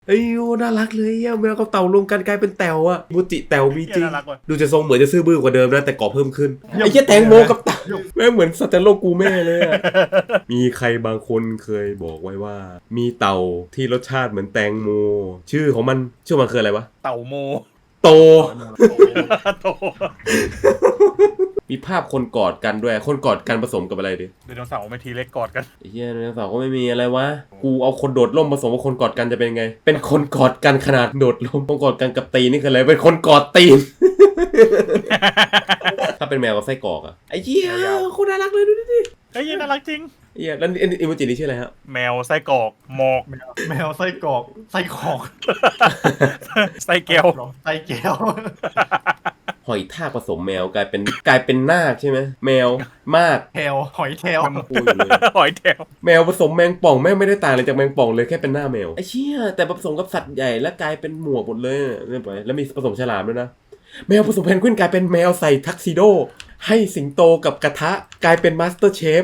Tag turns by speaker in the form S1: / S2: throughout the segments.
S1: เอ้ยน่ารักเลยอ่ะแมวกับเต่ารวมกันกลายเป็นแต๋วอ่ะมูจิแต๋วมีจริงดูจะทรงเหมือนจะซื่อบื้อกว่าเดิมนะแต่ก่อเพิ่มขึ้นไอ้เหี้ยแตงโมกับเต่าแม่งเหมือนสัตว์โลกกูแม่เลยอ่ะมีใครบางคนเคยบอกไว้ว่ามีเต่าที่รสชาติเหมือนแตงโมชื่อของมันชื่อมันคืออะไรวะ
S2: เต่าโม
S1: โต
S2: โต
S1: มีภาพคนกอดกันด้วยคนกอดกันผสมกับอะไรดิ
S2: ไดโนเสาร์ไม่ทีเล็กกอดกัน
S1: ไอ้เหี้ยไดโนเสาร์ก็ไม่มีอะไรวะกูเอาคนโดดร่มผสมกับคนกอดกันจะเป็นไงเป็นคนกอดกันขนาดโดดร่มคนกอดกันกับตีนนี่คืออะไรเป็นคนกอดตีน ถ้าเป็นแมวกับไส้กรอกอะไอ้เหี้ยโคตรน่ารักเลยดูดิ
S2: เฮ้ยน่ารักจริง
S1: ไอ้เหี้ยแล้วอิโมจินี่ชื่ออะไรฮะ
S2: แมวไส้กรอกหมอก
S3: แมวไส้กรอกไส้ขอก
S2: ไส้แก้ว
S3: ไส้แก้ว
S1: หอยทากผสมแมวกลายเป็นนาคใช่ไหมแมวมาก
S3: แทวหอยแทว
S1: พูดอยู่เลย
S2: หอยแถว
S1: แมวผสมแมงป่องแม่งไม่ได้ต่างเลยจากแมงป่องเลยแค่เป็นหน้าแมวไอ้เชี่ยแต่ผสมกับสัตว์ใหญ่แล้วกลายเป็นหมวกหมดเลยเรียบร้อยแล้วมีผสมฉลามด้วยนะแมวผสมเพนกวินกลายเป็นแมวใส่ทักซิโดให้สิงโตกับกระทะกลายเป็นมาสเตอร์เชฟ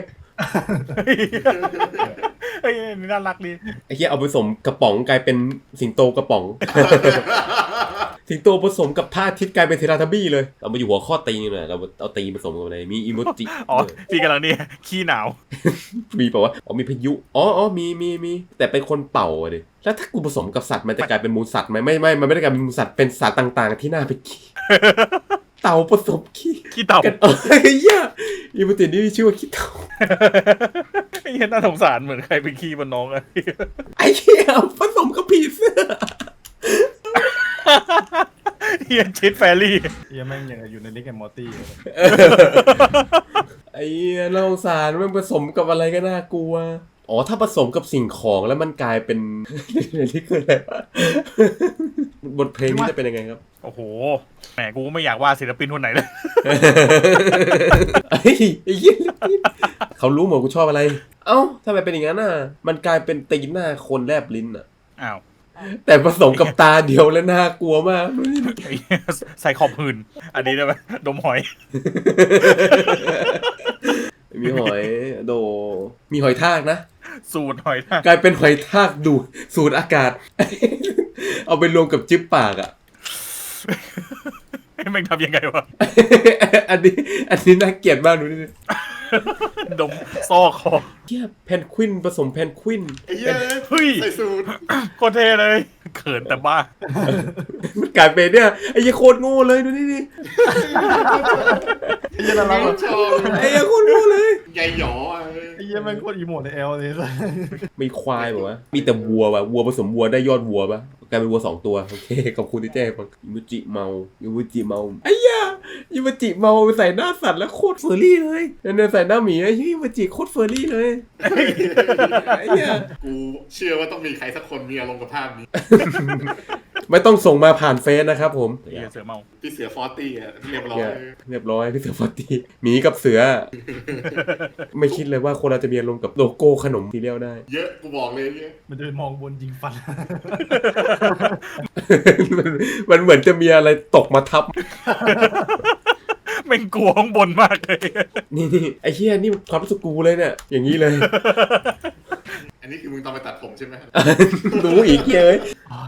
S2: เฮ้ยน่ารักดี
S1: ไอ้เหี้ยเอาผสมกระป๋องกลายเป็นสิงโตกระป๋อง สิงโตผสมกับผ้าทิศกลายเป็นเทราทับบี้เลยเรามาอยู่หัวข้อตีนเลยเราเอาตีนผสมกับอะไรมีอีโมจิ
S2: อ๋อพี่กำลังเนี่ยขี้หนาว
S1: มีเปล่าวะอ๋อมีพายุอ๋อมีแต่เป็นคนเป่าอะดิแล้วถ้ากูผสมกับสัตว์มันจะกลายเป็นมูลสัตว์ไหมไม่มันไม่ได้กลายเป็นมูลสัตว์เป็นสัตว์ต่างๆที่น่าไปขี้ เต่าผสมขี้
S2: เต่า
S1: กันเหี้ยอีโมจินี่มีชื่อว่าขี้เต่า
S2: ไอ้เหี้ยน่าสงสารเหมือนใครไปขี้บนน้องอะ
S1: ไอ้เหี้ยผสมกับผีเสื้อ
S2: เฮียชิดแฟรี่
S3: เฮียแม่งยังอยู่ในลิกแอนมอร์ตี้
S1: ไอ้เหี้ยน่าสงสารมันผสมกับอะไรก็น่ากลัวอ๋อถ้าผสมกับสิ่งของแล้วมันกลายเป็น นี่คืออะไรวะ บทเพลงนี้จะเป็นยังไงครับ
S2: โอ้โหแหมกูไม่อยากว่าศิลปินคนไหนเลย
S1: ไอ้เหี้ยเขารู้หมดกูชอบอะไร เอ้าทำไมเป็นอย่างนั้นอ่ะมันกลายเป็นตีนหน้าคนแลบลิ้นอ่ะ
S2: อ้าว
S1: แต่ผสมกับตาเดียวแล้วน่ากลัวมาก
S2: ไอ้เหี้ยใส่ขอบหืนอันนี้ได้ไหมดมหอย
S1: มีหอยโดมีหอยทากนะ
S2: สูตรหอยทาก
S1: กลายเป็นหอยทากดูดสูดอากาศ เอาไปรวมกับจิ๊บปากอ่ะ
S2: แม่งทำยังไงวะ
S1: อันนี้น่าเกลียดมากดูดิ
S2: ดมซอกคอ
S1: เทียแพนควินผสมแพนควิน
S4: ไอ้เหี้ย
S2: เฮ้ย
S4: ใส่สูท
S2: โคตรเท่เลยเขินแต่บ้า
S1: มันกลายเป็นเนี่ยไอ้ยี่โคตรโง่เลยดูดิ
S3: เฮียน่ารัก
S4: ชอบ
S1: ไอ้ยี่โคตรโง่เลย
S4: ใหญ่หยออะ
S3: เฮียแม่งโคตรอีโมดในแอลเลย
S1: มีควายแบบว่ามีแต่วัวว่ะวัวผสมวัวได้ยอดวัวปะกลายเป็นวัว2 ตัวโอเคขอบคุณที่แจ้งฟังอิมุจิเมาไอ้ย่าอิมุจิเมาไปใส่หน้าสัตว์แล้วโคตรเฟอร์รี่เลยเนี่ยใส่หน้าหมีไอ้อิมุจิโคตรเฟอร์รี่เลยไอ้ย่า
S4: กูเชื่อว่าต้องมีใครสักคนมีอารมณ์กับภาพนี้
S1: ไม่ต้องส่งมาผ่านเฟซนะครับผม
S2: เฮียเสือเมา
S4: พี่เสือฟอร์ตี้อะเรียบร้อย
S1: เรียบร้อยพี่เสือฟอตีหมีกับเสือ ไม่คิดเลยว่าคนเราจะมีอารมณ์กับโลโก้ขนมทีเดียวได้
S4: เยอะกูบอกเลยเนี่ย
S3: มันจะไปมองบนยิงฟัน
S1: มันเหมือนจะมีอะไรตกมาทับ
S2: แม่งกลัวข้างบนมากเลย
S1: นี่ไอ้เหี้ยนี่ความรู้สึกกูเลยเนี่ยอย่างนี้เลย
S4: อันนี้คือมึงตอนไปตัดผมใช่ไหม
S1: รู้อีกเหี้ยเอ้ย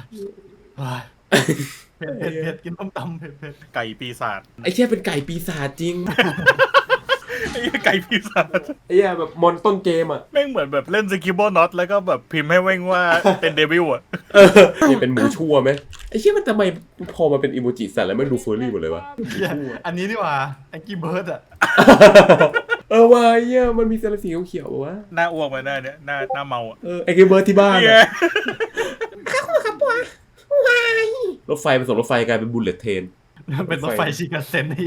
S3: เผ็ดกินต้มตำเผ็ด
S2: ไก่ปีศาจ
S1: ไอ้เหี้ยเป็นไก่ปีศาจจริง
S2: ไอ้เหี้ยไก่ปีศาจ
S1: ไอ้เหี้ยแบบมอนต้นเกมอ่ะ
S2: แม่งเหมือนแบบเล่นสกิบเบิลน็อตแล้วก็แบบพิมพ์ให้แม่งว่าเป็นเดวิลอะ
S1: นี่เป็นหมูชั่วไหมไอ้เหี้ยมันทำไมพอมาเป็นอีโมจิสัตว์แล้วมันดูเฟอร์รี่หมดเลยวะ
S3: เฮียอันนี้ดีกว่าแองกี้เบิร์ดอะ
S1: ว่าไอ้เหี้ยมันมีสารสีเขียวๆวะ
S2: หน้าอ้วกมาหน้าเนี่ยหน้าเมาอะ
S1: ไอ้เกมเบอร์ที่บ้าน
S2: เฮีย
S1: อะรถไฟผสมรถไฟกลายเป็นบุลเลตเทรน
S3: เป็นรถไฟชิคาเซ็นนี่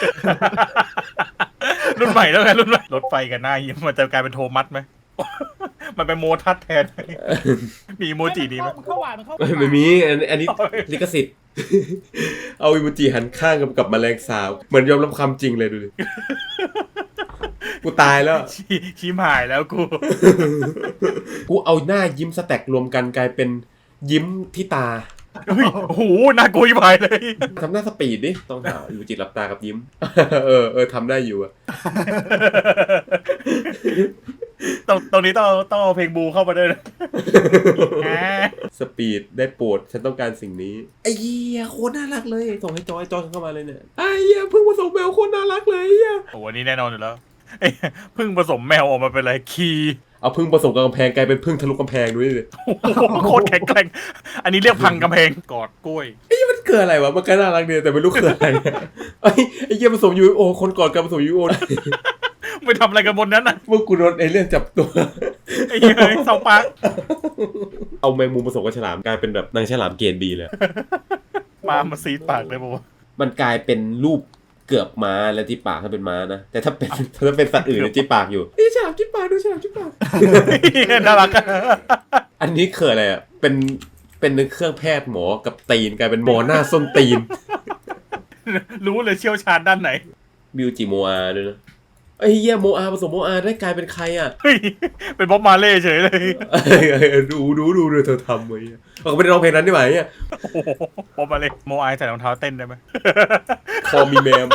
S2: รุ่นใหม่แล้วไงรุ่นใหม่รถไฟกันหน้าเฮียมันจะกลายเป็นโทมัสไหม มันเป็นโมทัสแทน มีอีโมจิดีไหม
S5: มันเข้าหวานมันเข้า
S1: ไม่มีอันนี้ลิขสิทธิ์ เอาอีโมจิหันข้างกับแมลงสาบเหมือนยอมรับความจริงเลยดูดิ กูตายแล้ว
S2: ชี้หายแล้วกู
S1: กูเอาหน้ายิ้มสแต็กรวมกันกลายเป็นยิ้มที่ตา
S2: เฮ้ยโอ้โหน่ากลัวยิ่งไปเลย
S1: ทำหน้าสปีดดิ ต้องหาอีโมจิหลับตากับยิ้ม เออทำได้อยู่อะ
S2: ตรงนี้ต้องเอาเพลงบูเข้ามาด้วยนะ
S1: สปีดได้โปรดฉันต้องการสิ่งนี้ไอ้เหี้ยโคตรน่ารักเลยส่งให้จอยเข้ามาเลยเนี่ยไอ้เหี้ยเพิ่งผสมแมวโคตรน่ารักเลยเหี้ย
S2: โอ้อันนี้แน่นอนอยู่แล้วเอ้ยพึ่งผสมแมวออกมาเป็นอะไรคีย์
S1: เอาพึ่งผสมกับกำแพงกลายเป็นพึ่งทะลุกำแพงด้วยเลย
S2: โอ้โหโคตรแข็งแกร่งอันนี้เรียกพังกำแพงกอดกล้วย
S1: ไอ้เหี้ยมันเกิดอะไรวะมันก็น่ารักดีแต่ไม่รู้คืออะไรไอ้เหี้ยผสมยูโอคนก่อนการผสมยูโอ
S2: ไปทำอะไรกันบนนั้นน่ะ
S1: เมื่อกูโดนเอเลี่ยนจับตัว
S2: ไอ้เหี้ยเสาปาร์ค
S1: เอาแมงมุมผสมกับฉลามกลายเป็นแบบนางฉลามเกรดบีเลย
S2: มาซีดปากเลยบอกว่า
S1: มันกลายเป็นรูปเกือบม้าแล้วที่ปากถ้าเป็นม้านะแต่ถ้าเป็นสัตว์อื่นเนี่ยที่ปากอยู่นี่ฉลามที่ปากดูฉลามที่ปาก
S2: น่ารักอะ
S1: อันนี้คืออะไรอ่ะเป็นเครื่องแพทย์หมอกับตีนกลายเป็นหมอหน้าส้นตีน
S2: รู้เลยเชี่ยวชาญด้านไหน
S1: บิวจิโมอาด้วยนะไอ้เหี้ยโมอาผสมโมอาได้กลายเป็นใครอ่ะ
S2: เฮ้ยเป็นบ๊อบมาเล่เฉยเลย
S1: ดูเธอทำไว้เขาไม่ได้ร้องเพลงนั้นได้ไหมเนี่ย
S2: โอ้โหบ๊อบมาเล่โมไอใส่รองเท้าเต้นได้ไหม
S1: คอมีแมม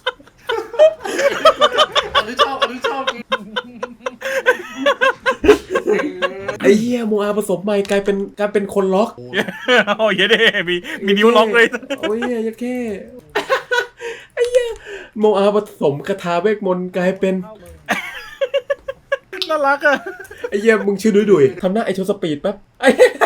S4: อันนี้ชอบ
S1: ไอ้เหี้ยโมอาผสมใหม่กลายเป็นคนล็อก
S2: โอ้ยเด้มีนิ้วล็อกเลย
S1: โอ้ยยัดแค่ ไอ้เหี้ยโมอาผสมคาถาเวทมนต์กลายเป็น
S2: น่ารักอะ
S1: ไอ้เหี้ยมึงชื่อดุยทำหน้าไอโชว์สปีดแป๊บไอ้เหี้ย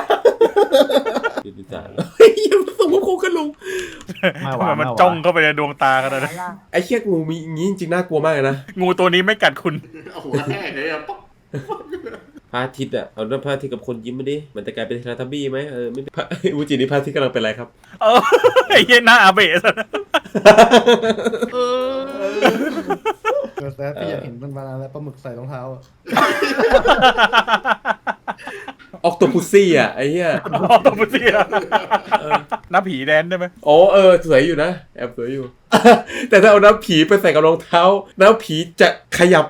S1: ไอ้เหี้ยผสมกับโคกระลุง
S3: ไม่ห
S2: ทำ
S3: วา
S2: ไม
S3: น
S2: มันจ้องเข้าไปในดวงตาขนาดนั้น
S1: ไอ้เหี้ยงูมีอย่างงี้จริงๆน่ากลัวมากเลยนะ
S2: งูตัวนี้ไม่กัดคุณ
S4: เอาหัวแห้งเลยอะป๊อก
S1: พระอาทิตย์อ่ะเอาด้วยพระอาทิตย์กับคนยิ้มมาดิมันจะกลายเป็นเทเลทับบี้ไหมไม่พระอูจินี่พระอาทิตย์กำลังเป็นอะไรครับ
S2: เออไอ้เหี้ยหน้าอาเบะซะ
S3: แซ่พี่อยากเห็นมันมานานแล้วปลาหมึกใส่รองเท้าอะ
S1: ออกตัวพุซี่อ่ะไอ้เหี้ย
S2: อ๋อตัวมุสีอะหน้าผีแดนได้ไหม
S1: อ๋อสวยอยู่นะแอบสวยอยู่ แต่ถ้าเอาน้ำผีไปใส่กับรองเท้าน้ำผีจะขยับ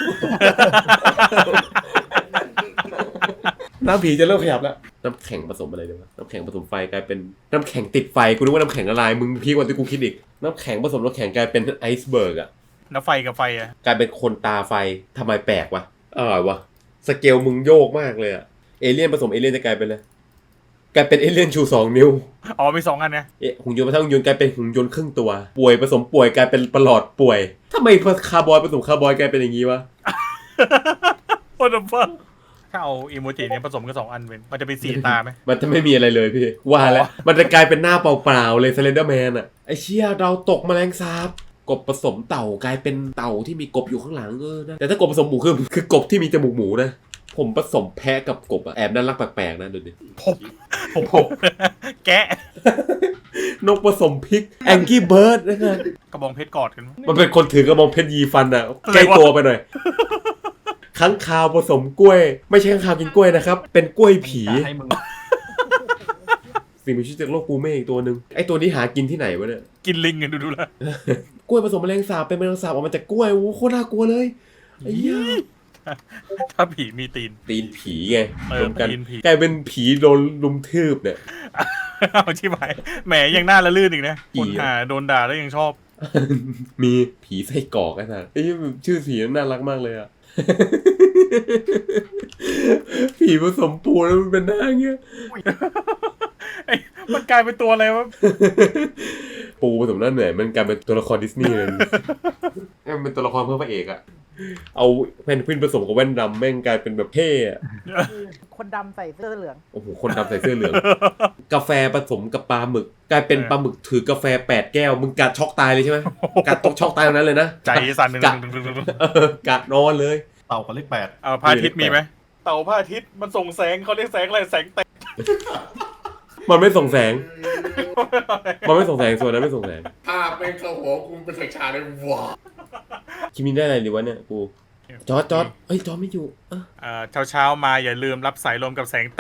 S1: น้ำผีจะเริ่มขยับแล้วน้ำแข็งผสมอะไรเดี๋ยวน้ำแข็งผสมไฟกลายเป็นน้ำแข็งติดไฟกูนึกว่าน้ำแข็งละลายมึงพีกกว่าที่กูคิดอีกน้ำแข็งผสมน้ำแข็งกลายเป็นไอซ์เบิร์กอ่ะ
S2: น้ำไฟกับไฟอะ
S1: กลายเป็นคนตาไฟทำไมแปลกวะอร่อยวะสเกลมึงโยกมากเลยอะเอเลี่ยนผสมเอเลี่ยนจะกลายเป็นอะไรกลายเป็นเอเลี่ยนชู2 นิ้ว
S2: อ๋อมี2อันไง
S1: หุ่นยนต์มาทั้งหุ่นยนต์กลายเป็นหุ่นยนต์ครึ่งตัวป่วยผสมป่วยกลายเป็นประหลอดป่วยทำไมคาร์บอยผสมคาร์บอยกลายเป็นอย่างงี้วะ
S2: โอ้ดฟังถ้าเอาอีโมจิเนี่ยผสมกัน2อันเป็นมันจะเป็นสีตาไหม
S1: มันจะไม่มีอะไรเลยพี่ว่าแล้ว
S2: อ๋อ
S1: มันจะกลายเป็นหน้าเปล่าๆเลยสเลนเดอร์แมนอะไอเชี่ยเราตกแมลงสาบกบผสมเต่ากลายเป็นเต่าที่มีกบอยู่ข้างหลังนะแต่ถ้ากบผสมหมูคือกบที่มีจมูกหมูนะผมผสมแพะกับกบอะแอบน่ารักแปลกๆนะดูดิ
S2: ผม แกะ
S1: นกผสมพริกแองกี้เบิร์ดนะครับ
S2: กระบองเพชรกอดกัน
S1: มันเป็นคนถือกระบองเพชรยีฟันอะ
S2: อะไรวะ
S1: ใกล้ตัวไปหน่อยค้างคาวผสมกล้วย ไม่ใช่ค้างคาวกินกล้วยนะครับ เป็นกล้วยผี
S3: ให้มึง
S1: สิ่งมีชีวิตจากโลกกูเมฆอีกตัวหนึ่งไอตัวนี้หากินที่ไหนวะเนี่ย
S2: กินลิงกันดูละ
S1: กล้วยผสมแมลงสาบเป็นแมลงสาบออกมาจากกล้วยโอ้โหโคตรน่ากลัวเลยไอ้เหี้ย
S2: ถ้าผีมีตีน
S1: ตีนผีไง
S2: เออ
S1: รวมกัน
S2: ตีนผี
S1: กลายเป็นผีโดนลุมทืบเนี่ย
S2: เอาที่ไปแหมยังหน้าละลื่นอีกนะ
S1: ผี
S2: คน
S1: อะ
S2: หาโดนด่าแล้วยังชอบ
S1: มีผีไส้กรอกไอ้สัสไอ้เหี้ยชื่อผีน่ารักมากเลยอะ ผีผสมปูแล้วมันเป็นหน้าเงี้ย
S2: ไอ้มันกลายเป็นตัวอะไรวะ
S1: ปูผสมหน้าเหนื่อยมันกลายเป็นตัวละครดิสนีย์เลย มันเป็นตัวละครเพื่อพระเอกอะเอาแพนกวินผสมกับแว่นดำแม่งกลายเป็นแบบเท่อะ
S5: คนดำใส่เสื้อเหลือง
S1: โอ้โหคนดำใส่เสื้อเหลือง กาแฟผสมกับปลาหมึก กลายเป็นปลาหมึกถือกาแฟ8 แก้วมึงกัดช็อกตายเลยใช่ไหมกัดตกช็อกตายตรงนั้นเลยนะ
S2: ใจสั่นหนึ่ง
S1: กัดนอนเลย
S3: เต่ากับเลข8
S2: เอาพระอาทิตย์มีไหมเต่าพระอาทิตย์มันส่งแสงเขาเรียกแสงอะไรแสงเตะ
S1: มันไม่ส่งแสง มันไม่ส่งแสงส่วนนั้นไม่ส่งแสง
S4: ภาพแม่งเข้าหัวกูเป็นฉากๆเลยว้า
S1: คิมินได้อะไรดีวะเนี่ยกูจอร์จเฮ้ยจอร์จไม่อยู่
S2: เช้ามาอย่าลืมรับสายลมกับแสง